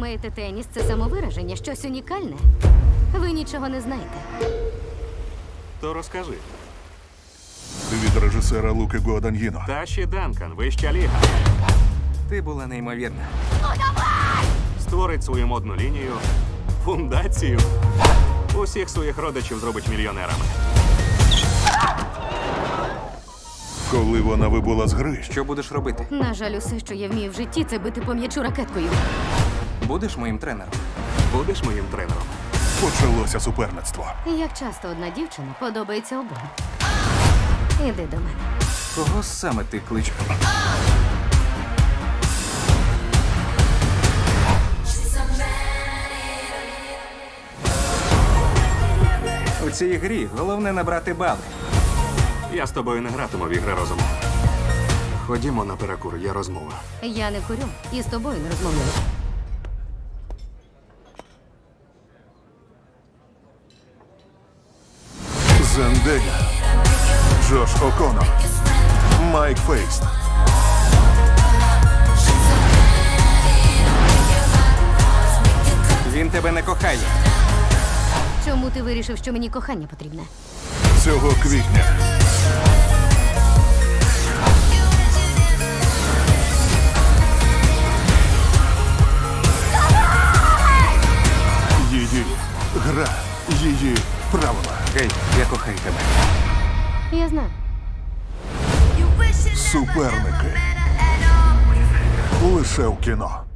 Думаєте, теніс це самовираження, щось унікальне? Ви нічого не знаєте. То розкажи. Від режисера Луки Гуаданьїно. Таші Данкан, вища ліга. Ти була неймовірна. Створить свою модну лінію, фундацію. Усіх своїх родичів зробить мільйонерами. Коли вона вибула з гри, Що будеш робити? На жаль, усе, що я вмію в житті, це бити по м'ячу ракеткою. Будеш моїм тренером? Будеш моїм тренером. почалося суперництво. Як часто одна дівчина подобається обом. Іди до мене. Кого саме ти кличеш? У цій грі головне набрати бали. Я з тобою не гратиму в ігри розуму. Ходімо на перекур, є розмова. Я не курю і з тобою не розмовляю. Зендея, Джош О'Коннор, Майк Фейст. Він тебе не кохає. Чому ти вирішив, що мені кохання потрібне? Цього квітня. Її гра, її правила. Гей, я кохаю тебе. Я знаю. Суперники. Лише в кіно.